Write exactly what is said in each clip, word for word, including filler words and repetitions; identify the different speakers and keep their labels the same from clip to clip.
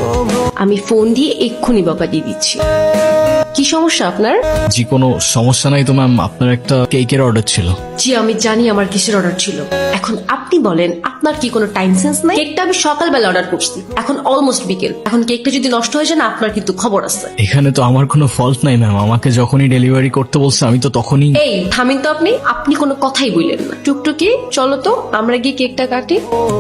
Speaker 1: আমি ফোন দিয়ে এক্ষুনি বকা দিয়ে দিচ্ছি। কি সমস্যা আপনার?
Speaker 2: জি কোনো সমস্যা নাই তো ম্যাম, আপনার একটা কেকের অর্ডার ছিল।
Speaker 1: জি আমি জানি আমার কিসের অর্ডার ছিল। এখন আপনি বলেন আপনার কি কোনো টাইম সেন্স নাই? কেকটা আমি সকালবেলা অর্ডার করছি, এখন অলমোস্ট বিকেল। এখন কেকটা যদি নষ্ট হয়ে যায় না, আপনার কিন্তু খবর আছে।
Speaker 2: এখানে তো আমার কোনো ফল্ট নাই ম্যাম, আমাকে যখনই ডেলিভারি করতে বলছে আমি তো তখনই।
Speaker 1: এই থামিন তো আপনি আপনি কোনো কথাই বললেন না। টুকটুকি চলো তো আমরা গিয়ে কেকটা কাটি।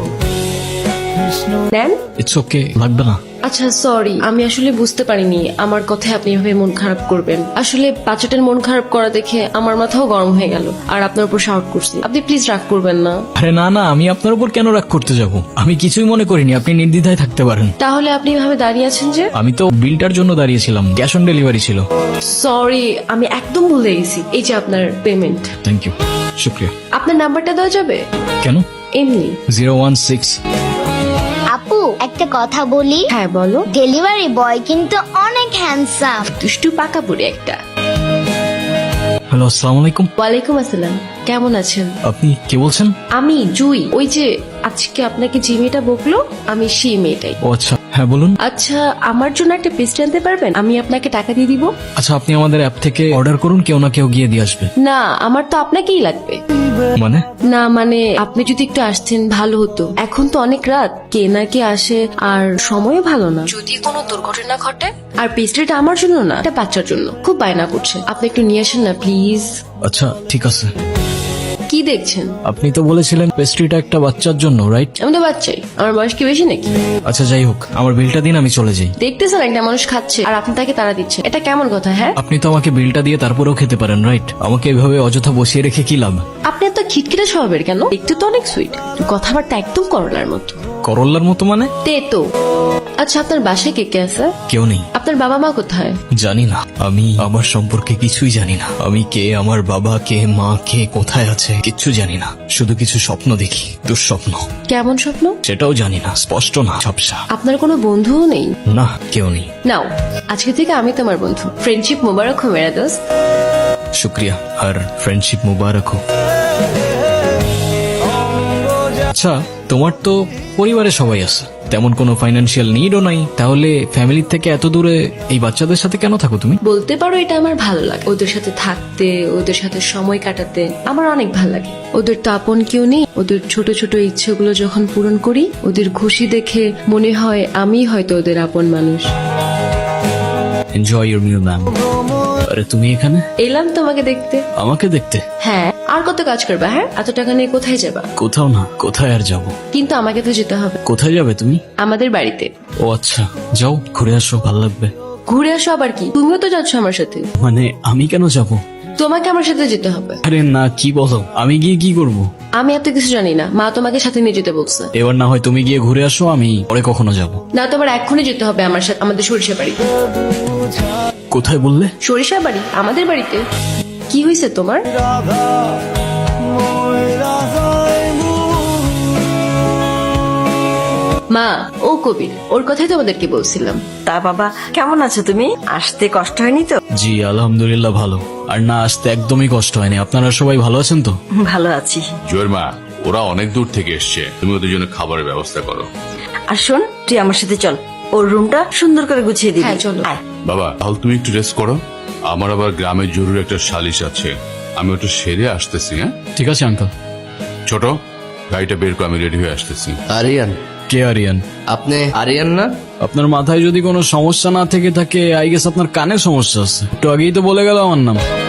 Speaker 1: নেন।
Speaker 2: ইটস ওকে, লাগবে না।
Speaker 1: আচ্ছা সরি, আমি আসলে বুঝতে পারিনি আমার কথায় আপনি এভাবে মন খারাপ করবেন। আসলে বাচ্চাটার মন খারাপ করা দেখে আমার মাথাও গরম হয়ে গেল, আর আপনার উপর শাউট করছি। আপনি প্লিজ রাগ করবেন না।
Speaker 2: আরে না না, আমি আপনার উপর কেন রাগ করতে যাব? আমি কিছুই মনে করিনি, আপনি নির্দ্বিধায় থাকতে পারেন।
Speaker 1: তাহলে আপনি এভাবে দাঁড়িয়ে আছেন যে?
Speaker 2: আমি তো বিলটার জন্য দাঁড়িয়েছিলাম, ক্যাশ অন ডেলিভারি ছিল।
Speaker 1: সরি, আমি একদম ভুলে গেছি। এই যে আপনার পেমেন্ট।
Speaker 2: থ্যাংক ইউ, শুক্রিয়া।
Speaker 1: আপনার নাম্বারটা দেওয়া যাবে?
Speaker 2: কেন?
Speaker 1: এমনি।
Speaker 2: Zero one six.
Speaker 3: আপু একটা কথা বলি?
Speaker 1: হ্যাঁ বলো।
Speaker 3: ডেলিভারি বয় কিন্তু অনেক হ্যান্ডসাম।
Speaker 1: দুষ্টু পাকা বুড়ি একটা।
Speaker 2: হ্যালো, আসসালামু আলাইকুম।
Speaker 1: ওয়ালাইকুম আসসালাম, কেমন আছেন?
Speaker 2: আপনি কে বলছেন?
Speaker 1: আমি জুই, ওই যে আজকে আপনাকে যে মেয়েটা বকলো আমি সেই মেয়েটাই।
Speaker 2: ও আচ্ছা, হ্যাঁ বলুন।
Speaker 1: আচ্ছা আমার জন্য একটা পেস্ট আনতে পারবেন? আমি আপনাকে টাকা দিয়ে দিব।
Speaker 2: আচ্ছা আপনি আমাদের অ্যাপ থেকে অর্ডার করুন, কেউ না কেউ গিয়ে দিয়ে আসবে।
Speaker 1: না আমার তো আপনাকেই লাগবে।
Speaker 2: মানে?
Speaker 1: না মানে আপনি যদি একটু আসতেন ভালো হতো। এখন তো অনেক রাত, কে না কে আসে, আর সময় ভালো না। যদি কোনো দুর্ঘটনা ঘটে। আর পেস্ট্রিটা আমার জন্য না, এটা বাচ্চার জন্য। খুব বায়না করছে, আপনি একটু নিয়ে আসেন না প্লিজ।
Speaker 2: আচ্ছা ঠিক আছে।
Speaker 1: কি দেখছেন?
Speaker 2: আপনি তো বলেছিলেন পেস্ট্রিটা একটা বাচ্চার জন্য, রাইট?
Speaker 1: আমি তো বাচ্চাই, আমার বয়স কি বেশি নাকি?
Speaker 2: আচ্ছা যাই হোক, আমার বিলটা দিন, আমি চলে যাই।
Speaker 1: দেখতেছেন একটা মানুষ খাচ্ছে আর আপনি তাকে তাড়া দিচ্ছেন, এটা কেমন কথা? হ্যাঁ
Speaker 2: আপনি তো আমাকে বিলটা দিয়ে তারপরেও খেতে পারেন, রাইট? আমাকে এভাবে অযথা বসিয়ে রেখে কি লাভ?
Speaker 1: আপনি এত খিটখিটে স্বভাবের কেন? দেখতে তো অনেক সুইট, কথাবার্তা একদম করলার মতো।
Speaker 2: করল্লার মতো মানে?
Speaker 1: তে তো। আচ্ছা আপনার বাসায় কে কে আছে?
Speaker 2: কেউ নেই।
Speaker 1: আপনার বাবা মা কোথায়?
Speaker 2: জানি না, আমি আমার সম্পর্কে কিছুই জানি না। আমি কে, আমার বাবা কে, মা কে, কোথায় আছে, কিচ্ছু জানি না। শুধু কিছু স্বপ্ন দেখি, দুঃস্বপ্ন।
Speaker 1: কেমন স্বপ্ন?
Speaker 2: সেটাও জানি না, স্পষ্ট না, ঝাপসা।
Speaker 1: আপনার কোনো বন্ধুও নেই?
Speaker 2: না, কেউ নেই।
Speaker 1: নাও আজকে থেকে আমি তোমার বন্ধু। ফ্রেন্ডশিপ মোবারক হো মেরা দোস্ত।
Speaker 2: শুক্রিয়া, আর ফ্রেন্ডশিপ মুবারক হোক। আচ্ছা তোমার তো পরিবারে সবাই আছে, তেমন কোনো ফাইন্যান্সিয়াল নিডও নাই, তাহলে ফ্যামিলির থেকে এত দূরে এই বাচ্চাদের সাথে কেন থাকো তুমি?
Speaker 1: বলতে পারো এটা আমার ভালো লাগে, ওদের সাথে থাকতে, ওদের সাথে সময় কাটাতে আমার অনেক ভালো লাগে। ওদের তো আপন কেউ নেই, ওদের ছোট ছোট ইচ্ছেগুলো যখন পূরণ করি, ওদের খুশি দেখে মনে হয় আমি হয়তো ওদের আপন মানুষ।
Speaker 2: Enjoy your meal ma'am. আরে তুমি এখানে?
Speaker 1: এলাম তোমাকে দেখতে।
Speaker 2: আমাকে দেখতে?
Speaker 1: হ্যাঁ, আর কত কাজ করবা? হ্যাঁ, এত টাকা নিয়ে কোথায় যাবা?
Speaker 2: কোথাও না, কোথায় আর যাব?
Speaker 1: কিন্তু আমাকে তো যেতে হবে।
Speaker 2: কোথায় যাবে তুমি?
Speaker 1: আমাদের বাড়িতে।
Speaker 2: ও আচ্ছা, যাও ঘুরে আসো, ভালো লাগবে।
Speaker 1: ঘুরে আসো আবার কি? তুমিও তো যাচ্ছ আমার সাথে।
Speaker 2: মানে আমি কেন যাব?
Speaker 1: তোমাকে আমার সাথে যেতে হবে।
Speaker 2: আরে না, কি বলো, আমি গিয়ে কি করব?
Speaker 1: আমি এত কিছু জানি না, মা তোমাকে সাথে নিয়ে যেতে বলছে।
Speaker 2: এবার না হয় তুমি গিয়ে ঘুরে আসো, আমি পরে কখনো যাব।
Speaker 1: না তোমার এক্ষুনি যেতে হবে আমার সাথে, আমাদের সরিষা বাড়ি।
Speaker 2: কোথায় বললে?
Speaker 1: সরিষা বাড়ি, আমাদের বাড়িতে। কি হয়েছে তোমার? মা, ও কবির, ওর কথাই তোমাদেরকে বলছিলাম।
Speaker 4: তা বাবা কেমন আছো তুমি? আসতে কষ্ট হয়নি তো?
Speaker 2: জি আলহামদুলিল্লাহ ভালো, আর না আসতে একদমই কষ্ট হয়নি। আপনারা সবাই ভালো আছেন তো?
Speaker 4: ভালো আছি।
Speaker 5: জয়ের মা, ওরা অনেক দূর থেকে এসছে, তুমি ওদের জন্য খাবারের ব্যবস্থা করো।
Speaker 4: আর শোন, তুই আমার সাথে চল, ওর রুমটা সুন্দর করে গুছিয়ে দিবি।
Speaker 1: হ্যাঁ, চলো।
Speaker 4: আয়।
Speaker 5: বাবা তাহলে তুমি একটু রেস্ট করো, আমার আবার গ্রামের জরুরি একটা সালিশ আছে, আমি ওটা সেরে আসতেছি। হ্যাঁ
Speaker 2: ঠিক আছে আঙ্কেল।
Speaker 5: ছোট, গাড়িটা বের করে আমি রেডি হয়ে আসতেছি।
Speaker 6: আরিয়ান,
Speaker 2: কে আরিয়ান?
Speaker 6: আপনি আরিয়ান না?
Speaker 2: আপনার মাথায় যদি কোনো সমস্যা না থেকে থাকে, আই গেস আপনার কানে সমস্যা আছে। একটু আগেই তো বলে গেল আমার নাম।